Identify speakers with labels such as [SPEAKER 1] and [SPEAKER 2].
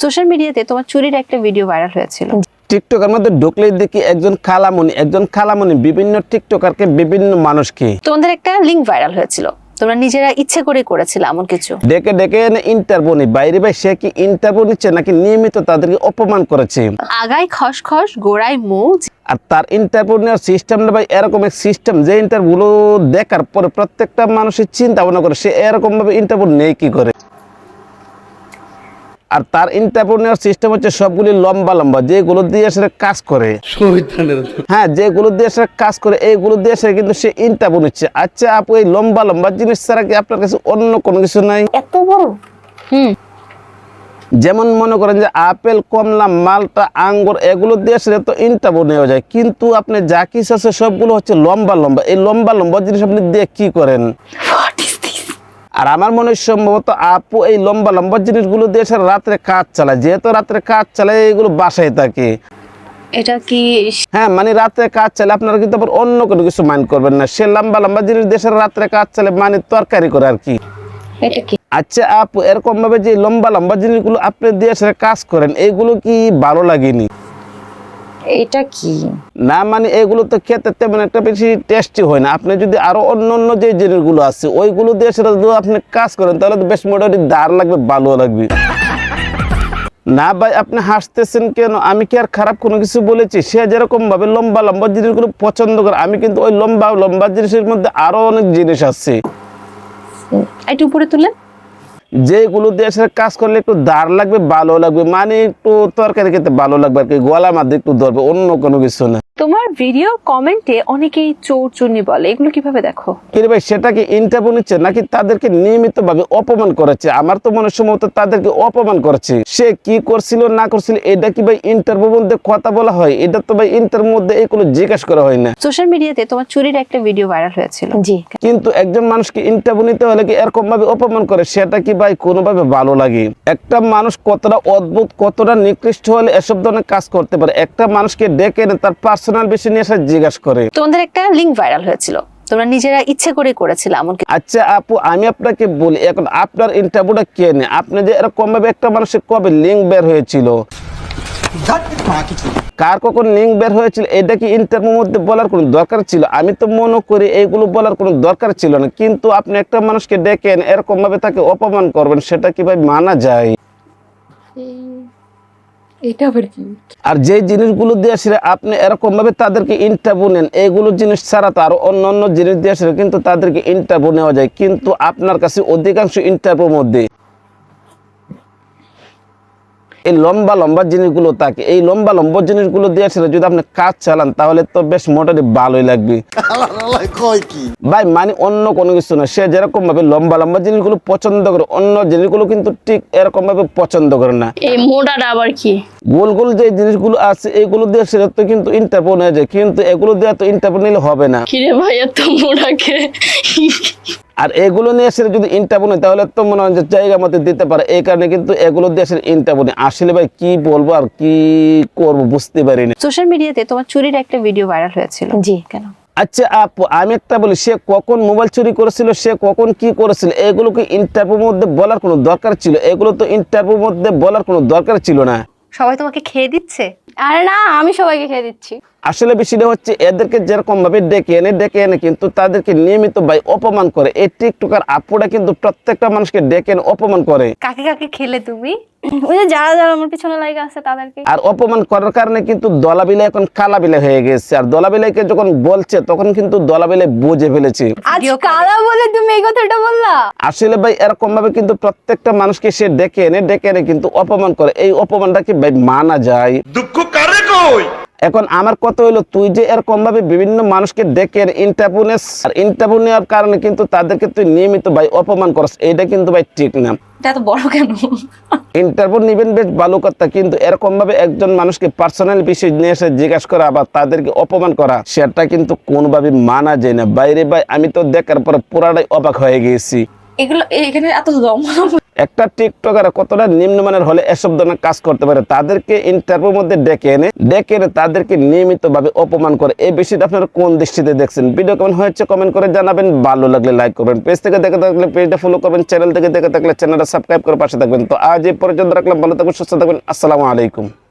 [SPEAKER 1] Social মিডিয়াতে তোমার চুরির একটা ভিডিও ভাইরাল হয়েছিল।
[SPEAKER 2] টিকটকের মধ্যে ঢুকলেই দেখি একজন খালামণি বিভিন্ন টিকটকারকে বিভিন্ন মানুষকে
[SPEAKER 1] তোমাদের একটা লিংক ভাইরাল হয়েছিল, তোমরা নিজেরা ইচ্ছে করে করেছিলে এমন কিছু।
[SPEAKER 2] ডেকে ডেকে এনে ইন্টারভিউ নি বাইরে ভাই সে কি ইন্টারভিউ নিচ্ছে নাকি নিয়মিত তাদেরকে অপমান করেছে।
[SPEAKER 1] আগায় খসখস গোড়ায় মুখ।
[SPEAKER 2] আর তার ইন্টারভিউ নেওয়ার সিস্টেমটা ভাই এরকম এক সিস্টেম যে ইন্টারভিউ দেখার পরে প্রত্যেকটা মানুষের চিন্তা ভাবনা করে সে এরকম ভাবে ইন্টারভিউ নেই কি করে। আর তার ইন্টারভিউ নেওয়ার সিস্টেম হচ্ছে সবগুলি লম্বা লম্বা যেগুলো দিয়ে সে কাজ করে, হ্যাঁ যেগুলো দিয়ে সে কাজ করে এইগুলো দিয়ে সে কিন্তু সে ইন্টারভিউ নিচ্ছে। আচ্ছা আপু এই লম্বা লম্বা জিনিস ছাড়া কি আপনার কাছে অন্য কোনো কিছু নাই?
[SPEAKER 1] এত বড়
[SPEAKER 2] যেমন মনে করেন যে আপেল, কমলা, মালটা, আঙ্গুর এগুলো দিয়ে সে তো ইন্টারভিউ নেওয়া যায়, কিন্তু আপনি যা কিছু আছে সবগুলো হচ্ছে লম্বা লম্বা। এই লম্বা লম্বা জিনিস আপনি দিয়ে কি করেন? আর আমার মনে হয় সম্ভবত আপু এই লম্বা লম্বা জিনিসগুলো দিয়ে সে রাত্রে কাজ চালায়, যেহেতু রাত্রে কাজ চালায় এগুলো বাসায় থাকে।
[SPEAKER 1] এটা কি?
[SPEAKER 2] হ্যাঁ মানে রাত্রে কাজ চালে আপনারা কিন্তু আবার অন্য কোনো কিছু মাইন্ড করবেন না। সে লম্বা লম্বা জিনিস দিয়ে রাত্রে কাজ চালে মানে তরকারি করে আর কি।
[SPEAKER 1] এটা কি?
[SPEAKER 2] আচ্ছা আপু এরকম ভাবে যে লম্বা লম্বা জিনিসগুলো আপনি দিয়ে কাজ করেন এইগুলো কি ভালো লাগেনি?
[SPEAKER 1] এটা কি
[SPEAKER 2] না মানে এগুলো তো খেতে তেমন একটা বেশি টেস্টি হয় না। আপনি যদি আরো অন্য অন্য যে জিনিসগুলো আছে ওইগুলো দিয়ে সেটা যদি আপনি কাজ করেন তাহলে তো বেশ মোটামুটি দার লাগবে, ভালো লাগবে। না ভাই আপনি হাসতেছেন কেন? আমি কি আর খারাপ কোনো কিছু বলেছি? সে যেরকম ভাবে লম্বা লম্বা জিনিসগুলো পছন্দ করে আমি কিন্তু ওই লম্বা লম্বা জিনিসের মধ্যে আরো অনেক জিনিস আছে
[SPEAKER 1] একটু উপরে তুলেন,
[SPEAKER 2] যেগুলো দিয়ে কাজ করলে একটু দাঁড় লাগবে, ভালো লাগবে, মানে একটু তরকারি খেতে ভালো লাগবে আর কি, গলার মধ্যে একটু ধরবে, অন্য কোনো কিছু না।
[SPEAKER 1] তোমার ভিডিও কমেন্টে অনেকেই চোরচুন্নি বলে, এগুলো কিভাবে দেখো?
[SPEAKER 2] কিন্তু ভাই সেটা কি ইন্টারভিউ নিচ্ছে নাকি তাদেরকে নিয়মিত ভাবে অপমান করেছে? আমার তো মনে সম্ভবত তাদেরকে অপমান করেছে। সে কি করছিল না করছিল এটা কি ভাই ইন্টারভিউ মধ্যে কথা বলা হয়? এটা তো ভাই ইন্টারভিউ মধ্যে এগুলো জিজ্ঞাসা করা হয় না।
[SPEAKER 1] সোশ্যাল মিডিয়াতে তোমার চুরির একটা ভিডিও ভাইরাল হয়েছিল। জি,
[SPEAKER 2] কিন্তু একজন মানুষকে ইন্টারভিউ নিতে হলে কি এরকম ভাবে অপমান করে? সেটা কি ভাই কোনোভাবে ভালো লাগে? একটা মানুষ কতটা অদ্ভুত কতটা নিকৃষ্ট হলে এসব ধরনের কাজ করতে পারে? একটা মানুষকে ডেকে এনে তার পার্সোনাল বিষয় নিয়ে এসে জিজ্ঞাসা করে।
[SPEAKER 1] তোমাদের একটা লিংক ভাইরাল হয়েছিল, তোমরা নিজেরা ইচ্ছে করে করেছিলে এমন কি?
[SPEAKER 2] আচ্ছা আপু আমি আপনাকে বলি, এখন আপনার ইন্টারভিউটা কে নেয়? আপনি যে এরকম ভাবে একটা মানুষের কবে লিঙ্ক বের হয়েছিল, কার কখন লিঙ্ক বের হয়েছিল, এটা কি ইন্টারভিউর মধ্যে বলার কোনো দরকার ছিল? আমি তো মনে করি এইগুলো বলার কোনো দরকার ছিল না। কিন্তু আপনি একটা মানুষকে ডেকে এরকম ভাবে তাকে অপমান করবেন, সেটা কি ভাই মানা যায়?
[SPEAKER 1] এটা আবার কি?
[SPEAKER 2] আর যে জিনিসগুলো দিয়ে আসলে আপনি এরকম ভাবে তাদেরকে ইন্টারভিউ নেন, এইগুলো জিনিস ছাড়া তো আরো অন্য অন্য জিনিস দিয়ে আসলে কিন্তু তাদেরকে ইন্টারভিউ নেওয়া যায়, কিন্তু আপনার কাছে অধিকাংশ ইন্টারভিউর মধ্যে এই লম্বা লম্বা জিনিসগুলো থাকে। এই লম্বা লম্বা জিনিসগুলো দিয়ে আসলে যদি আপনি কাজ চালান তাহলে তো বেশ মোটামুটি ভালোই লাগবে ভাই, মানে অন্য কোনো কিছু না। সে যেরকম ভাবে লম্বা লম্বা জিনিসগুলো পছন্দ করে অন্য জিনিসগুলো কিন্তু ঠিক এরকম ভাবে পছন্দ করে না।
[SPEAKER 3] এই মোটাটা আবার কি?
[SPEAKER 2] গোল গোল যে জিনিসগুলো আছে এইগুলো দিয়ে সেটা তো কিন্তু ইন্টারভিউ নেওয়া যায়, কিন্তু এগুলো দিয়ে তো ইন্টারভিউ নিলে হবে না।
[SPEAKER 3] কিরে ভাই এত মোটাকে?
[SPEAKER 2] আর এগুলো নিয়ে এসে যদি ইন্টারভিউ নেই তাহলে তো মনে হয় যে জায়গা মতো দিতে পারে, এই কারণে কিন্তু এগুলো দিয়ে এসে ইন্টারভিউ নেই। আসলে ভাই কি বলবো আর কি করবো বুঝতে পারিনি।
[SPEAKER 1] সোশ্যাল মিডিয়াতে তোমার চুরির একটা ভিডিও ভাইরাল হয়েছিল। জি, কেন?
[SPEAKER 2] আচ্ছা আপু আমি একটা বলি, সে কখন মোবাইল চুরি করেছিল, সে কখন কি করেছিল, এগুলোকে ইন্টারভিউর মধ্যে বলার কোনো দরকার ছিল? এগুলো তো ইন্টারভিউর মধ্যে বলার কোনো দরকার ছিল না।
[SPEAKER 1] সবাই তোমাকে খেয়ে দিচ্ছে?
[SPEAKER 3] আরে না, আমি সবাইকে খেয়ে দিচ্ছি।
[SPEAKER 2] আসলে বিষয়টা হচ্ছে এদেরকে যেরকম ভাবে ডেকে এনে কিন্তু তাদেরকে নিয়মিত ভাই অপমান করে। এই টিকটকার আপুরা কিন্তু প্রত্যেকটা মানুষকে ডেকে এনে অপমান করে।
[SPEAKER 1] কাকে কাকে খেলে তুমি?
[SPEAKER 3] ওই যে যারা যারা আমার পিছনে লাগে আছে তাদেরকে।
[SPEAKER 2] আর অপমান করার কারণে কিন্তু দলাবিলাই এখন কালাবিলাই হয়ে গেছে। আর দলাবিলাইকে যখন বলছে তখন কিন্তু দলাবিলাই বুঝে ফেলেছে।
[SPEAKER 3] আজ কালা বলে তুমি এই কথাটা বললা?
[SPEAKER 2] আসলে ভাই এরকম ভাবে কিন্তু প্রত্যেকটা মানুষকে সে ডেকে এনে কিন্তু অপমান করে। এই অপমানটা কি ভাই মানা যায়? দুঃখ কারে কই? এখন আমার কথা হলো, তুই যে এরকম ভাবে বিভিন্ন মানুষকে ডেকে ইন্টারভিউ নেস, আর ইন্টারভিউ নেওয়ার কারণে কিন্তু তাদেরকে তুই নিয়মিত ভাই অপমান করস, এটা কিন্তু ভাই ঠিক না।
[SPEAKER 1] এটা তো বড় কেন?
[SPEAKER 2] ইন্টারভিউ নিবেন বেশ ভালো কথা, কিন্তু এরকম ভাবে একজন মানুষকে পার্সোনাল বিষয় নিয়ে এসে জিজ্ঞাসা করা বা তাদেরকে অপমান করা সেটা কিন্তু কোনোভাবে মানা যায় না। বাইরে ভাই আমি তো দেখার পরে পুরাটাই অবাক হয়ে গেছি।
[SPEAKER 4] এগুলো এখানে এত দম
[SPEAKER 2] একটা টিকটকার কতটা নিম্নমানের হলে এসব ধরনের কাজ করতে পারে, তাদেরকে ইন্টারভিউর মধ্যে ডেকে এনে তাদেরকে নিয়মিতভাবে অপমান করে। এই বিষয়টা আপনারা কোন দৃষ্টিতে দেখছেন? ভিডিও কেমন হয়েছে কমেন্ট করে জানাবেন, ভালো লাগলে লাইক করবেন, পেজ থেকে দেখে থাকলে পেজটা ফলো করবেন, চ্যানেল থেকে দেখে থাকলে চ্যানেলটা সাবস্ক্রাইব করে পাশে থাকবেন। তো আজ এই পর্যন্ত রাখলাম, ভালো থাকবেন, সুস্থ থাকবেন, আসসালামু আলাইকুম।